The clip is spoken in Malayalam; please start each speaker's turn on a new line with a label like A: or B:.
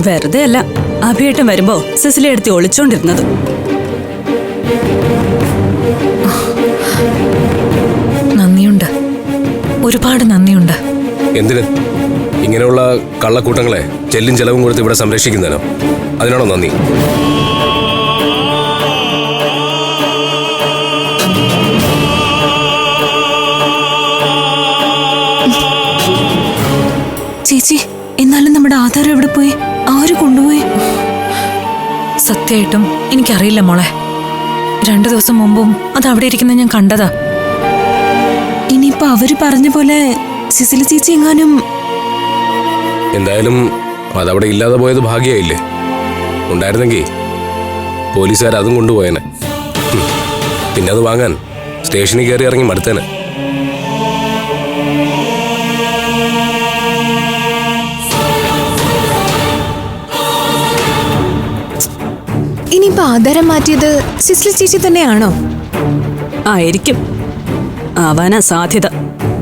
A: വെറുതെ അല്ല അഭിയേട്ടൻ വരുമ്പോ സിസിലി എടുത്ത് ഒളിച്ചോണ്ടിരുന്നത്.
B: നന്ദിയുണ്ട്, ഒരുപാട് നന്ദിയുണ്ട്.
C: എന്തിന്? ഇങ്ങനെയുള്ള കള്ളക്കൂട്ടങ്ങളെ ചെല്ലും ചെലവും കൊടുത്ത് ഇവിടെ സംരക്ഷിക്കുന്നതിനോ? അതിനാണോ നന്ദി?
B: ചേച്ചി, എന്നാലും നമ്മുടെ ആധാരം എവിടെ പോയി? ആര് കൊണ്ടുപോയി? സത്യമായിട്ടും എനിക്കറിയില്ല മോളെ. 2 ദിവസം മുമ്പും അത് അവിടെ ഇരിക്കുന്ന ഞാൻ കണ്ടതാ.
D: ഇനിയിപ്പോ അവര് പറഞ്ഞ പോലെ സിസിലി ചേച്ചി എങ്ങാനും...
C: എന്തായാലും അതവിടെ ഇല്ലാതെ പോയത് ഭാഗ്യമായില്ലേ? ഉണ്ടായിരുന്നെങ്കിൽ പോലീസുകാർ അതും കൊണ്ടുപോയേനെ. പിന്നെ അത് വാങ്ങാൻ സ്റ്റേഷനിൽ കയറി ഇറങ്ങി മടുത്തേനെ.
D: ഇനിയിപ്പോ ആധാരം മാറ്റിയത് സിസിലി ചേച്ചി തന്നെയാണോ?
A: ആയിരിക്കും, ആവാനാ സാധ്യത.